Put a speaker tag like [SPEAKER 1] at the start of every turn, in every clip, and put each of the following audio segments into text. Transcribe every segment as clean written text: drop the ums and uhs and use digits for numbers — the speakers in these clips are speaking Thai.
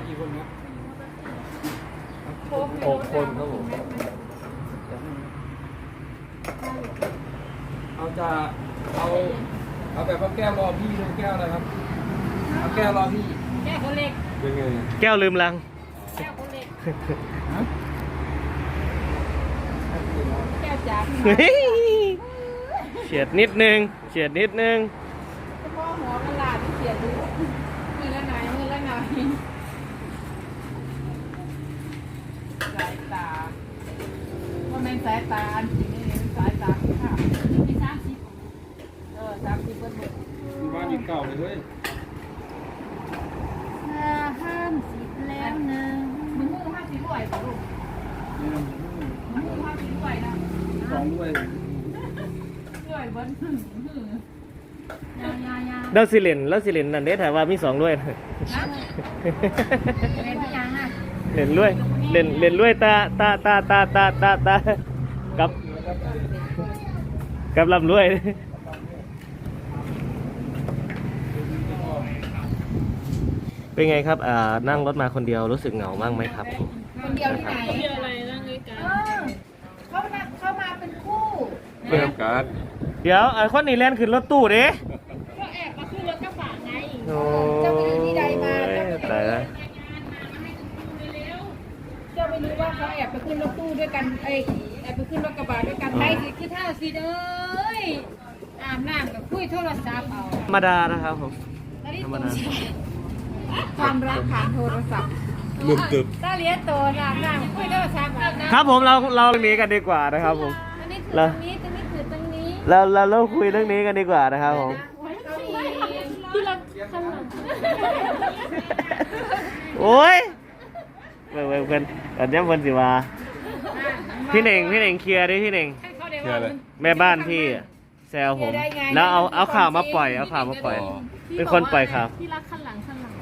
[SPEAKER 1] กี่คนครับ
[SPEAKER 2] 6 คนครับผม
[SPEAKER 1] เอาแบบว่าแก้วรอพี่เลยแก้วอะไรครับเอาแก้วรอพี่
[SPEAKER 3] แก้วคนเล็ก
[SPEAKER 1] เป็นไง
[SPEAKER 2] แก้วลืมลัง
[SPEAKER 3] แก้วคนเล็ก
[SPEAKER 1] ฮะ
[SPEAKER 3] แก้วจ๋า
[SPEAKER 2] เฉียดนิดนึง
[SPEAKER 3] เฉพาะหัวกระลาที่เสียดูมือละหน่อยสายตาว่าเป็นสายตาอันจริงนี่สายตาที่ขาดไม่30 30เบิ้ล
[SPEAKER 1] บ้านยิ่งเก่าเลยเว้ย
[SPEAKER 3] 50แล้วนะมึงมือ50ด้วยป่ะลูกมึงมือ50ด้วยนะ
[SPEAKER 1] 2ด้วย
[SPEAKER 3] ด้วยเบิ้ลยา
[SPEAKER 2] แล้วสิเลนนั่นเด้ถามว่ามี2ด้วย
[SPEAKER 3] เป็นทุกอย่างอ่ะ
[SPEAKER 2] เล่นด้วยเล่นด้วยตากับลำรวยเป็นไงครับนั่งรถมาคนเดียวรู้สึกเหงามากไหมครับ
[SPEAKER 3] คนเดียวที่ไหนเดียวอะไรนั่งด้วยกันเข้ามาเป็นคู่
[SPEAKER 1] เริ่มการ
[SPEAKER 2] เดี๋ยวคนนี้แล่นขึ้นรถตู้เด้
[SPEAKER 3] ก็แอบมาขึ้นรถกระบะไง
[SPEAKER 2] โอ้ตายแล้ว
[SPEAKER 3] เจ้าไม่รู้ว่าเขาแอบไปขึ้นรถตู้ด้วยกันแอบไปขึ้นรถกระบะด้วยกันไปสิคือเท่าสิเอ้ยอาบน้ำกับคุยโทรศัพท์เอา
[SPEAKER 2] ธรรมดานะครับผม
[SPEAKER 3] ธรรมดาความรักผ่านโทรศัพท์
[SPEAKER 1] ลืมตึบ
[SPEAKER 3] ถ้าเลี้ยงโตอาบน้ำคุยโทรศัพท์
[SPEAKER 2] ครับผมเราหนีกันดีกว่านะครับผม
[SPEAKER 3] ตรงนี้คือตรงนี้
[SPEAKER 2] เราคุยเรื่องนี้กันดีกว่านะครับผม
[SPEAKER 3] ที่เราข้างหลัง
[SPEAKER 2] โอ้ยเพื่อนอันนี้เพื่อนสิว่าพี่เน่งเคลียร์ดิพี่เน่งแม่บ้านพี่แซวผมแล้วเอาข่าวมาปล่อยเป็นคนปล่อยข่าว
[SPEAKER 3] ที่รักข้างหลัง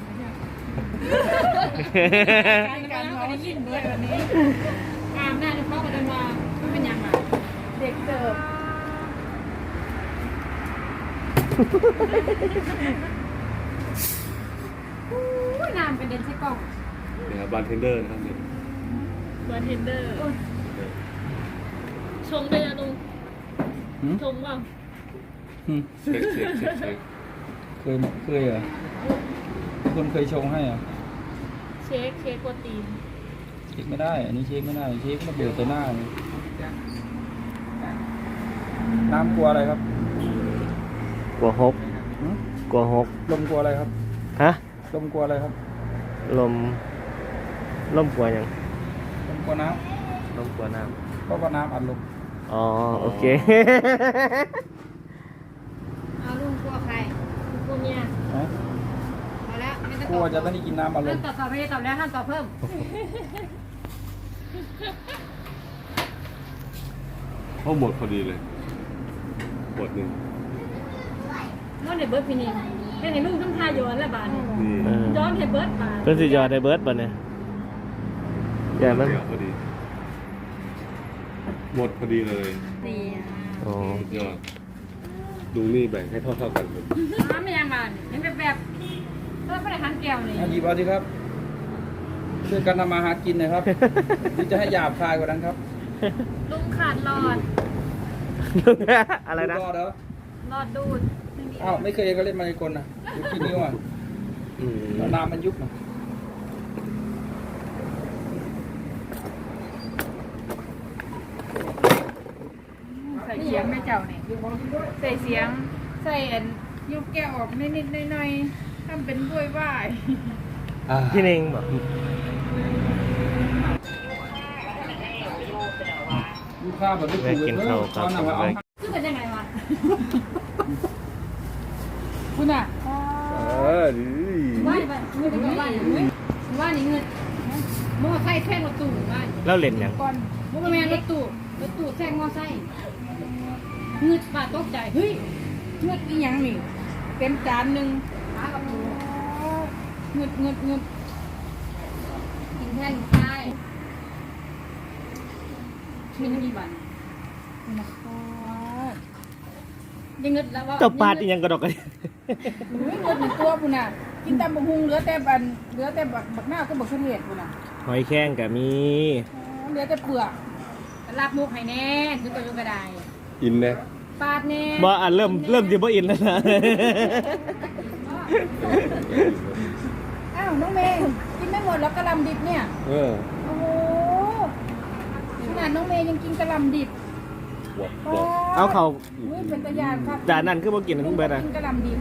[SPEAKER 3] การมาได้ยินด้วยวันนี้อาบน้ำเข้ากันมาไม่เป็นยังไงเด็กเสิร์ฟน้ำเป็นเดนใส่กล่อง
[SPEAKER 1] เนี่ยบาร์เทนเดอร์นะครับเนี่ย
[SPEAKER 3] บาร์เทนเดอร์ชงได้ยังลุงชงเปล่า
[SPEAKER 1] เช็คเคยเหรอคนเคยชงให้อ่ะ
[SPEAKER 3] เช็คโปรตีน
[SPEAKER 1] เช็คไม่ได้อันนี้เช็คไม่ได้เช็คมาเบื่อแต่หน้าน้ำกลัวอะไรครับ
[SPEAKER 2] กลัวหกล
[SPEAKER 1] มกลัวอะไรครับ
[SPEAKER 2] ฮะ
[SPEAKER 1] ลมกลัวอะไรครับ
[SPEAKER 2] ลมกลัวยัง
[SPEAKER 1] ลมกลัวน้
[SPEAKER 2] ำลมกลัวน้ำ
[SPEAKER 1] เพราะว่าน้ำอัดลม
[SPEAKER 2] อ๋อโอเค
[SPEAKER 3] เอาลุงกลัวใครกลัวเมียพอแล้วไม่ต้อง
[SPEAKER 1] กลัวจะไม่ได้กินน้ำอัดลม
[SPEAKER 3] ตอบไม่ได้ตอบแล้วห้ามตอบเพิ่ม
[SPEAKER 1] เขาหมดพอดีเลยหมดหนึ่ง
[SPEAKER 3] นอนในเบิร์ดพี่นี่เป็นไงลุงต้องทายย้อนละบาทย้อนให้เบิร์ดบาท
[SPEAKER 2] เป็นสิย้อนให้เบิร์ดบาทเนี่ยอย่างนั้น
[SPEAKER 1] พอดีหมดพอดีเลย
[SPEAKER 3] ดี
[SPEAKER 2] โอ้
[SPEAKER 1] ยอดดูนี่แบ่งให้เท่ากันเลย
[SPEAKER 3] ไม่ยังบาทยังแบบเออไม่ได้หันแก้วเลย
[SPEAKER 1] หยิบเอาสิครับช่วยกันทำมาหากินนะครับหรือจะให้หยาบคายกว่านั้นครับ
[SPEAKER 3] ลุงขาดหลอด
[SPEAKER 2] อะไรนะ
[SPEAKER 1] หลอดเหรอ
[SPEAKER 3] หลอดดูด
[SPEAKER 1] อ้าวไม่เคยก็เล่นมายากลนะดูกี่นิ้วอ่ะน้ำมันยุบนะ
[SPEAKER 3] ใส่เสียงไม่เจ้าเนี่ยใส่เสียงใส่ยุบแก้วออกนิดๆหน่อยๆทำเป็นบ้วยว่าย
[SPEAKER 2] พี่เน่งบอก
[SPEAKER 1] ลูกค้าแบบไม่กินข้าวครับ
[SPEAKER 3] คือเป็นยังไงวะคุณอ่ะว่านี่เงินมอไซค์แท่งรถตู้ว่า
[SPEAKER 2] แล้วเล่นยัง
[SPEAKER 3] ก่อนมอแมนรถตู้แท่งมอไซค์เงืดปาตกใจเฮ้ยเงืดอีหยังนี่เต็มจานหนึ่งหากับหมูเงืดกินแท่งใช่มีทั้งกี่วันยังเงิดแล้วว่า
[SPEAKER 2] เจ้าปาดยังกระดกกัน
[SPEAKER 3] เงิดหนึ่งตัวปุ่นอ่ะกินแต่บักฮุงเหลือแต่บักหน้าวก็บักเสนียดกูน่ะ
[SPEAKER 2] หอยแข้งก็มี
[SPEAKER 3] เหลือแต่เปลือกลาบมุกให้แน่คือตัวยุกระได
[SPEAKER 4] อินเลย
[SPEAKER 3] ปาดแน่
[SPEAKER 2] บ่อ่ะเริ่มสิบ่อินแล้วนะ
[SPEAKER 3] อ้าวน้องเมย์กินไม่หมดแล้วกะหล่ำดิบเนี่ย
[SPEAKER 4] เออ
[SPEAKER 3] โอ้โหขนาดน้องเมย์ยังกินกะหล่ำดิบ
[SPEAKER 4] บวก
[SPEAKER 3] ปด
[SPEAKER 2] เอาเขา
[SPEAKER 3] อุ้ยเป็นตะยานครับ
[SPEAKER 2] จานนั้นคือบ่กินทั้งเบิดอ่ะ
[SPEAKER 3] กินกะหล่ำดิบ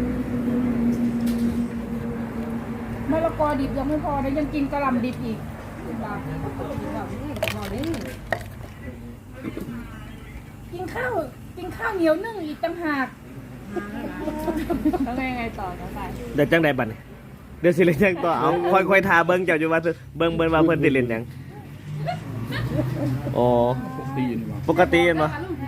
[SPEAKER 3] มะละกอดิบยังไม่พอนะยังกินกะหล่ำดิบอีกกินข้าวเหนียวนึ่งอีกต่างหากแล้วไงต่อไป
[SPEAKER 2] เดี๋ยวจังไดบัดนี้เดี๋ยวสิเล่นจังต่อเอาค่อยๆทาเบิ่งเจ้าอยู่ว่าเบิ่งว่าเพิ่นสิเล่นหยังอ๋อ
[SPEAKER 1] ตีนว่ะ
[SPEAKER 2] ปกติเห็นบ่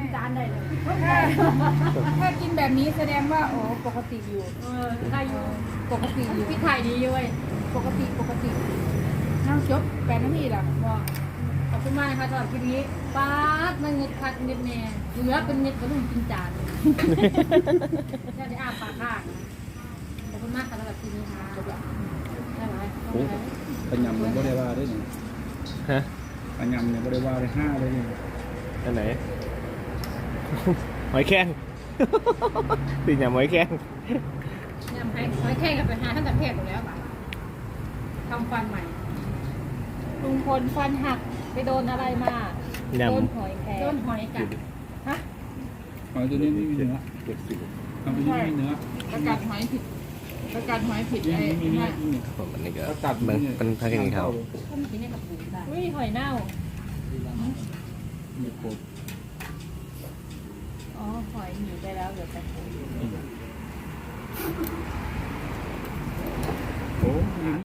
[SPEAKER 3] ถ้ากินแบบนี้แสดงว่าโอ้ปกติอยู่ได้อยู่ปกติอยู่พี่ไข่ดีอยู่เว้ยปกติน้ำจบ8 นาทีละว่าขอบคุณมากนะคะสำหรับคลิปนี้ป๊าดมันเงิดคัดเงิดแม่เหลือเป็นเงิดกระลุ่มกินจานแค่ได้อาปากข้างขอบคุณมากค่ะสำหรับคลิปนี้ค่ะได้ไหม
[SPEAKER 1] โอ้ปัญญำยังไม่ได้ว่าด้วยนี่
[SPEAKER 2] ฮะ
[SPEAKER 1] ปัญญำยังไม่ได้ว่าเลย5เลยนี่
[SPEAKER 2] อันไหน หอยแข้ง สิหยังหอยแข้ง
[SPEAKER 3] ยำให้แค่กับไปหาท่านแต่เพศหมดแล้วป่ะทำฟันใหม่ลุงพลฟันหักไปโดนอะไรมา
[SPEAKER 2] ย
[SPEAKER 3] โดนหอยแครงโดนหอยกัดฮะ
[SPEAKER 1] หอยตัวนี้ไม่มีเนื้อ
[SPEAKER 4] เจ็ดสิบ
[SPEAKER 1] ทำตัวนี้ไม่มีเนื้อ
[SPEAKER 3] ประกาศหอยผิดประกาศหอยผิด
[SPEAKER 1] นี่
[SPEAKER 3] ไอ้
[SPEAKER 1] มีเนื้อ
[SPEAKER 2] ำผมอันนี้ก็
[SPEAKER 1] ก็ตัด
[SPEAKER 2] เบิ่งเป็นพักอย่างนี้เขา
[SPEAKER 3] ต้นกินในกระปุกได้อุ้ยหอยเน่า
[SPEAKER 1] มีโคตร
[SPEAKER 3] อ๋อหอยหนีไปแล้วเหลือแต่
[SPEAKER 1] โอ้